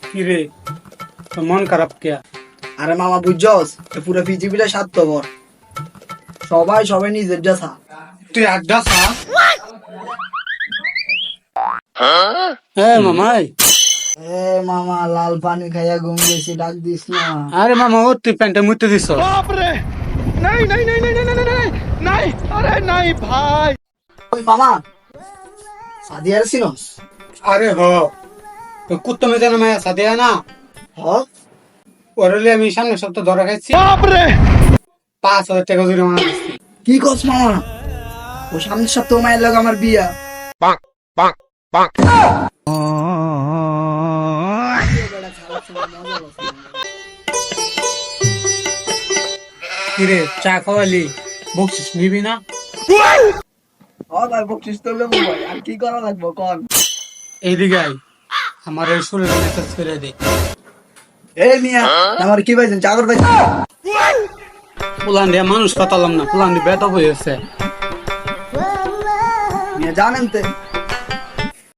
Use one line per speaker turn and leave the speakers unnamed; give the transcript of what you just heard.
কি রে, তোর মন খারাপ কে?
আরে মামা বুঝছস পুরো পৃথিবীটা স্বার্থপর, সবাই সবাই নিজের যা।
তুই আড্ডা খাস? হ্যাঁ মামাই।
এ মামা লাল পানি খাইয়া ঘুম গেছি, ডাক দিস না।
আরে মামা ও তুই প্যান্টে মুতে দিস।
ওই মামা সাদিয়ার সিনস?
আরে হ, তো কুত্তো মেজে না মায়া সাথে না
হ,
ওরলে আমি সামনে সপ্তাহ ধরা খাইছি। 5,000 টাকা জরিমানা দিচ্ছি।
কি কস মামা? ও সামনের সপ্তাহ মায়ের লোক আমার বিয়া।
কিরে চা খাওয়ালি, বকশিস নিবি না?
ভাই বকশিস তো লেবু ভাই, আর কি করা লাগবো কন?
এইদিকে আই, আমার এই শরীরে মেসেজ করে দে।
এ মিয়া আমার কি পাইছেন, চাকর পাইছেন?
পুলান দিয়ে মানুষ পাতালাম না, পুলান দিয়ে বেতব হয়েছে।
মিয়া জানেন তো